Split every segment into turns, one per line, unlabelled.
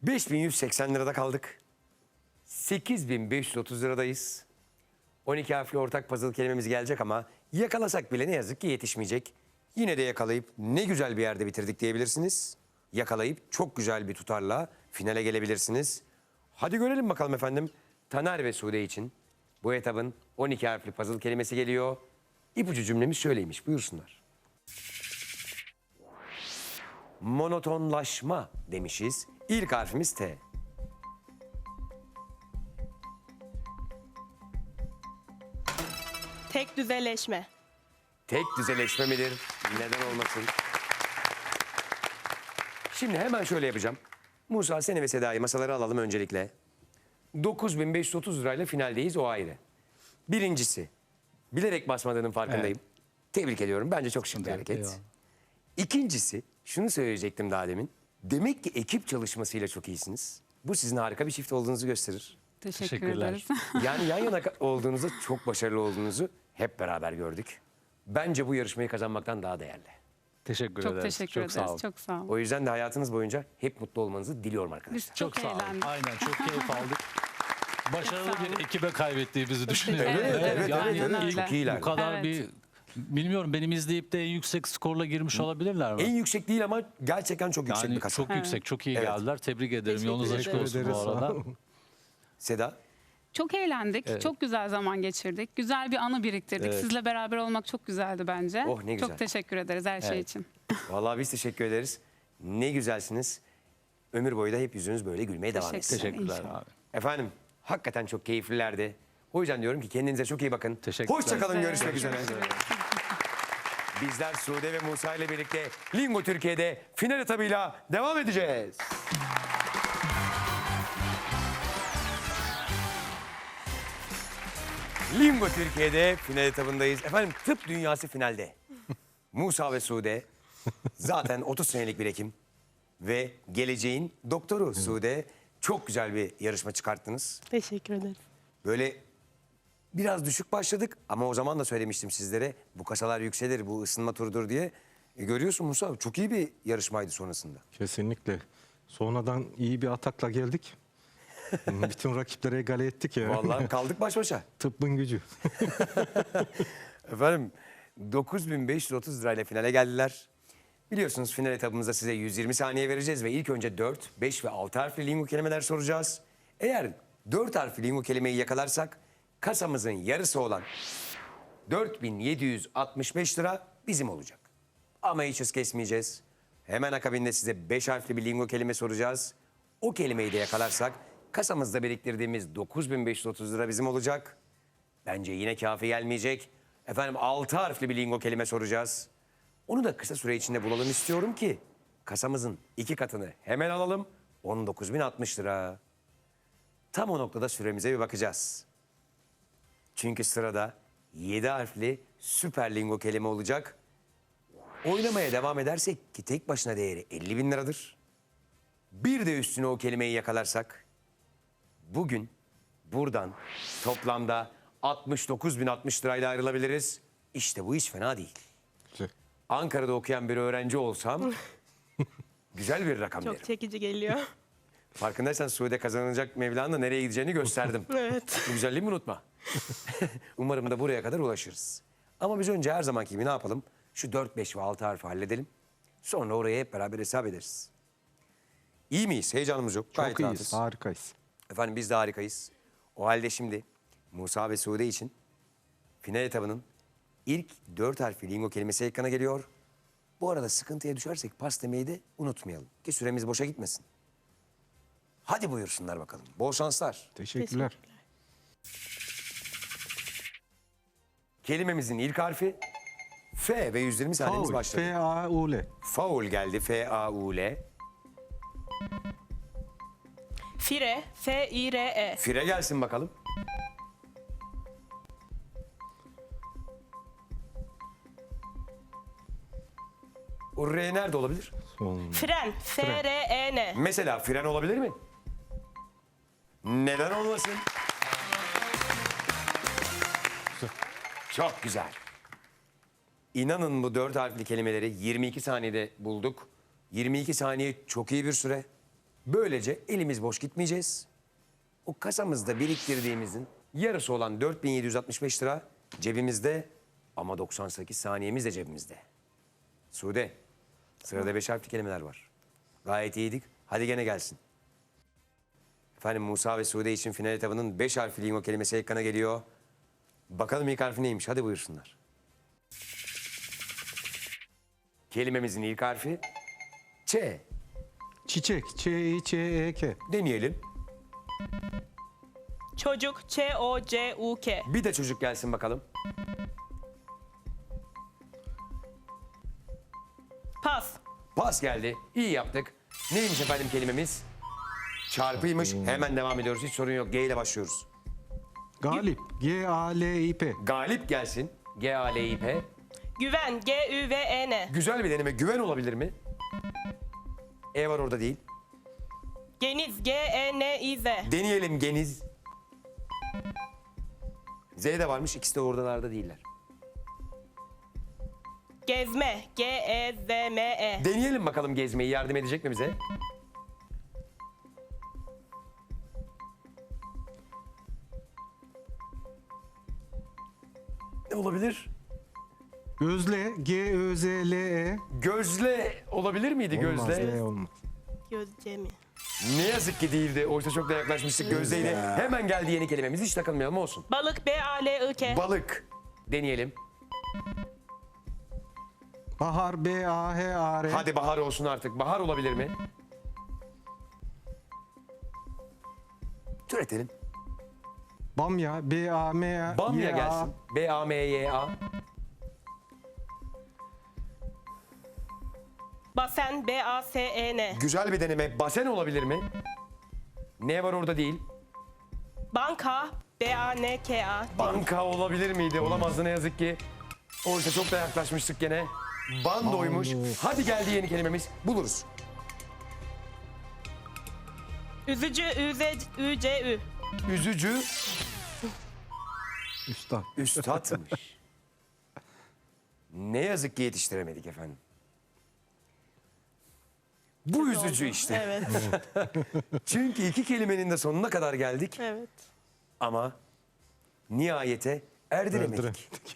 5.180 lirada kaldık. 8.530 liradayız. 12 harfli ortak puzzle kelimemiz gelecek ama yakalasak bile ne yazık ki yetişmeyecek. Yine de yakalayıp ne güzel bir yerde bitirdik diyebilirsiniz. Yakalayıp çok güzel bir tutarla finale gelebilirsiniz. Hadi görelim bakalım efendim. Taner ve Sude için bu etabın 12 harfli puzzle kelimesi geliyor. İpucu cümlemiz şöyleymiş, buyursunlar. Monotonlaşma demişiz. İlk harfimiz T.
Tek düzeleşme.
Tek düzeleşme midir? Neden olmasın? Şimdi hemen şöyle yapacağım. Musa, seni ve Seda'yı masalara alalım öncelikle. 9.530 lirayla finaldeyiz, o ayrı. Birincisi, bilerek basmadığının farkındayım. Tebrik ediyorum. Bence çok şık bir hareket.
Eyvallah.
İkincisi, şunu söyleyecektim daha demin. Demek ki ekip çalışmasıyla çok iyisiniz. Bu sizin harika bir çift olduğunuzu gösterir.
Teşekkür
Teşekkürler.
ederiz.
Yani yan yana olduğunuzda çok başarılı olduğunuzu hep beraber gördük. Bence bu yarışmayı kazanmaktan daha değerli.
Teşekkür
Çok
ederiz.
teşekkür
Çok
ederiz.
sağ olun.
Çok sağ olun.
O yüzden de hayatınız boyunca hep mutlu olmanızı diliyorum arkadaşlar.
Biz çok,
Çok sağ olun.
eğlendik.
Aynen, çok keyif aldık. Başarılı
sağ olun.
bir ekibe kaybettiğimizi düşünüyorum.
Evet,
Yani
öyle.
Çok iyiler.
bu kadar
Evet.
bir bilmiyorum, benim izleyip de en yüksek skorla girmiş olabilirler mi?
En yüksek değil ama gerçekten çok yüksek
Yani
bir kasa.
çok yüksek, çok iyi
Evet.
geldiler. Tebrik ederim. Yolunuz açık
Teşekkür
olsun bu arada.
Seda,
Çok eğlendik. Çok güzel zaman geçirdik. Güzel bir anı biriktirdik.
Evet.
Sizle beraber olmak çok güzeldi bence.
Oh, ne güzel.
Çok teşekkür ederiz her şey
Evet.
için.
vallahi biz teşekkür ederiz. Ne güzelsiniz. Ömür boyu da hep yüzünüz böyle gülmeye devam etsin.
Teşekkür
Teşekkürler
İnşallah.
abi.
Efendim, hakikaten çok keyiflilerdi. O yüzden diyorum ki kendinize çok iyi bakın.
Teşekkürler.
Hoşçakalın,
Biz de
görüşmek üzere. Bizler Sude ve Musa ile birlikte Lingo Türkiye'de final etabıyla devam edeceğiz. Lingo Türkiye'de final etabındayız. Efendim tıp dünyası finalde. Musa ve Sude zaten 30 senelik bir hekim ve geleceğin doktoru Sude. Çok güzel bir yarışma çıkarttınız.
Teşekkür ederiz.
Böyle biraz düşük başladık ama o zaman da söylemiştim sizlere. Bu kasalar yükselir, bu ısınma turudur diye. Görüyorsun Musa, çok iyi bir yarışmaydı sonrasında.
Kesinlikle. Sonradan iyi bir atakla geldik. Bütün rakipleri egale ettik ya.
Vallahi kaldık baş başa.
Tıbbın gücü.
Efendim 9.530 lirayla finale geldiler. Biliyorsunuz final etabımızda size 120 saniye vereceğiz ve ilk önce 4, 5 ve 6 harfli lingo kelimeler soracağız. Eğer 4 harfli lingo kelimeyi yakalarsak kasamızın yarısı olan 4.765 lira bizim olacak. Ama hiç hız kesmeyeceğiz. Hemen akabinde size 5 harfli bir lingo kelime soracağız. O kelimeyi de yakalarsak kasamızda biriktirdiğimiz 9.530 lira bizim olacak. Bence yine kafi gelmeyecek. Efendim 6 harfli bir lingo kelime soracağız. Onu da kısa süre içinde bulalım istiyorum ki kasamızın 2 katını hemen alalım. 19.060 lira. Tam o noktada süremize bir bakacağız. Çünkü sırada 7 harfli süper lingo kelime olacak. Oynamaya devam edersek ki tek başına değeri 50.000 liradır. Bir de üstüne o kelimeyi yakalarsak bugün buradan toplamda 69.060 lirayla ayrılabiliriz. İşte bu hiç fena değil. Ankara'da okuyan bir öğrenci olsam güzel bir rakam
Çok
derim.
çekici geliyor.
Farkındaysan Suudi kazanacak Mevla'nın da nereye gideceğini gösterdim.
Evet.
Bu güzelliğimi unutma. Umarım da buraya kadar ulaşırız. Ama biz önce her zamanki gibi ne yapalım? Şu 4, 5 ve 6 harfi halledelim. Sonra oraya hep beraber hesap ederiz. İyi miyiz? Heyecanımız yok. Gayet
Çok iyiyiz,
rahatız.
harikayız.
Efendim biz de harikayız. O halde şimdi Musa ve Sude için final etabının ilk 4 harfli lingo kelimesi ekrana geliyor. Bu arada sıkıntıya düşersek pas demeyi de unutmayalım. Ki süremiz boşa gitmesin. Hadi buyursunlar bakalım. Bol şanslar.
Teşekkürler.
Kelimemizin ilk harfi F ve 120 saniyemiz
Faul.
başladı.
F-A-U-L.
Faul geldi. F-A-U-L.
Fire. F-I-R-E.
Fire gelsin bakalım. O R nerede olabilir?
Son.
Fren. F-R-E-N.
Mesela fren olabilir mi? Neden olmasın? Çok güzel. İnanın bu 4 harfli kelimeleri 22 saniyede bulduk. 22 saniye çok iyi bir süre. Böylece elimiz boş gitmeyeceğiz. O kasamızda biriktirdiğimizin yarısı olan 4765 lira cebimizde ama 98 saniyemiz de cebimizde. Sude, sırada 5 harfli kelimeler var. Gayet iyiydik. Hadi gene gelsin. Efendim Musa ve Sude için final etabının 5 harfli lingo kelimesi ekrana geliyor. Bakalım ilk harfi neymiş? Hadi buyursunlar. Kelimemizin ilk harfi Ç.
Çiçek. Ç-İ-Ç-E-K.
Deneyelim.
Çocuk Çocuk.
Bir de çocuk gelsin bakalım.
Pas.
Pas geldi. İyi yaptık. Neymiş efendim kelimemiz? Çarpıymış. Hemen devam ediyoruz. Hiç sorun yok. G ile başlıyoruz.
Galip. G-A-L-İ-P.
Galip gelsin. G-A-L-İ-P.
Güven Güven.
Güzel bir deneme. Güven olabilir mi? E var orada değil.
Geniz Geniz.
Deneyelim Geniz. Z de varmış. İkisi de oradalarda değiller.
Gezme Gezme.
Deneyelim bakalım gezmeyi. Yardım edecek mi bize? Ne olabilir?
Gözle. G-Ö-Z-L-E.
Gözle olabilir miydi
Olmaz.
gözle?
L olmaz.
Gözce mi?
Ne yazık ki değildi. Oysa çok da yaklaşmıştık gözleydi. Hemen geldi yeni kelimemiz. Hiç takılmayalım olsun.
Balık Balık.
Balık. Deneyelim.
Bahar. B-A-H-A-R.
Hadi bahar olsun artık. Bahar olabilir mi? Türetelim.
Bamya. B-A-M-A.
Bamya
Y-A.
gelsin. B-A-M-Y-A.
Basen Basen.
Güzel bir deneme. Basen olabilir mi? Ne var orada değil?
Banka Banka.
Banka olabilir miydi? Olamazdı ne yazık ki. Oysa çok da yaklaşmıştık gene. Bandoymuş. Hadi geldi yeni kelimemiz. Buluruz.
Üzücü Ücü.
Üzücü
Üstad.
üstatmış. Ne yazık ki yetiştiremedik efendim. Bu üzücü işte.
Evet.
Çünkü iki kelimenin de sonuna kadar geldik
Evet.
ama nihayete erdiremedik.
Erdiremedik.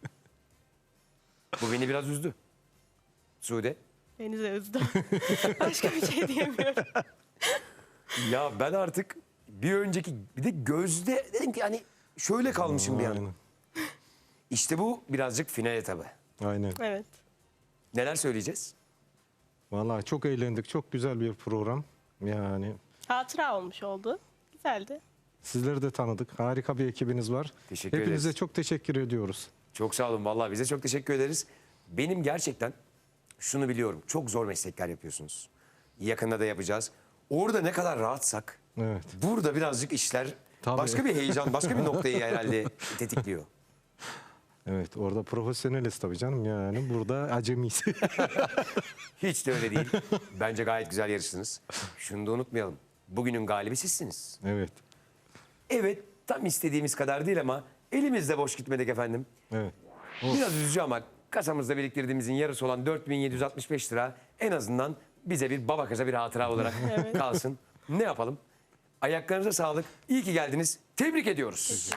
Bu beni biraz üzdü. Sude.
Beni de üzdü. Başka bir şey diyemiyorum.
Ya ben artık bir önceki bir de gözde dedim ki hani şöyle kalmışım bir an.
Aynen.
İşte bu birazcık final etabı.
Aynen.
Evet.
Neler söyleyeceğiz?
Vallahi çok eğlendik. Çok güzel bir program. Yani
Hatıra olmuş oldu. Güzeldi.
sizleri de tanıdık. Harika bir ekibiniz var.
Teşekkür
Hepinize
ederiz.
çok teşekkür ediyoruz.
Çok sağ olun vallahi bize çok teşekkür ederiz. Benim gerçekten şunu biliyorum. Çok zor meslekler yapıyorsunuz. Yakında da yapacağız. Orada ne kadar rahatsak
Evet.
burada birazcık işler
Tabii.
başka bir heyecan, başka bir noktayı herhalde tetikliyor.
Evet, orada profesyoneliz tabii canım. Yani burada acemiyiz.
Hiç de öyle değil. Bence gayet güzel yarıştınız. Şunu da unutmayalım. Bugünün galibi sizsiniz.
Evet.
Evet, tam istediğimiz kadar değil ama elimizde boş gitmedik efendim.
Evet.
Biraz üzücü ama kasamızda biriktirdiğimizin yarısı olan 4765 lira en azından bize bir baba kıza bir hatıra olarak kalsın. Ne yapalım? Ayaklarınıza sağlık. İyi ki geldiniz. Tebrik ediyoruz.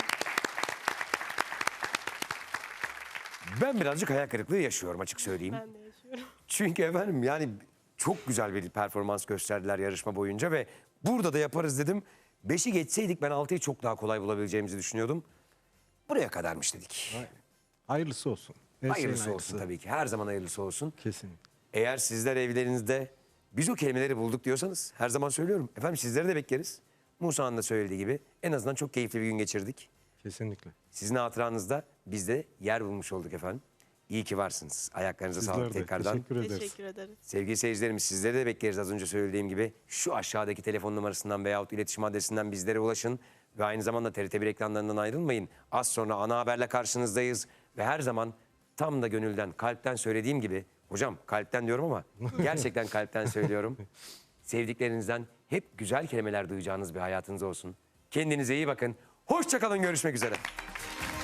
Ben birazcık hayal kırıklığı yaşıyorum açık söyleyeyim.
Ben de yaşıyorum.
Çünkü efendim yani çok güzel bir performans gösterdiler yarışma boyunca ve burada da yaparız dedim. 5'i geçseydik ben 6'yı çok daha kolay bulabileceğimizi düşünüyordum. Buraya kadarmış dedik.
Hayırlısı olsun. Her şeyin
Hayırlısı olsun tabii ki. Her zaman hayırlısı olsun.
Kesin.
Eğer sizler evlerinizde biz o kelimeleri bulduk diyorsanız her zaman söylüyorum. Efendim sizleri de bekleriz. Musa'nın da söylediği gibi en azından çok keyifli bir gün geçirdik.
Kesinlikle.
Sizin hatıranızda biz de yer bulmuş olduk efendim. İyi ki varsınız. Ayaklarınıza
Sizler
sağlık
de
tekrardan.
teşekkür ederiz.
Teşekkür ederiz.
Sevgili seyircilerimiz sizleri de bekleriz az önce söylediğim gibi. Şu aşağıdaki telefon numarasından veyahut iletişim adresinden bizlere ulaşın. Ve aynı zamanda TRT1 ekranlarından ayrılmayın. Az sonra ana haberle karşınızdayız. Ve her zaman tam da gönülden, kalpten söylediğim gibi. Hocam kalpten diyorum ama gerçekten kalpten söylüyorum. Sevdiklerinizden hep güzel kelimeler duyacağınız bir hayatınız olsun. Kendinize iyi bakın. Hoşça kalın, görüşmek üzere.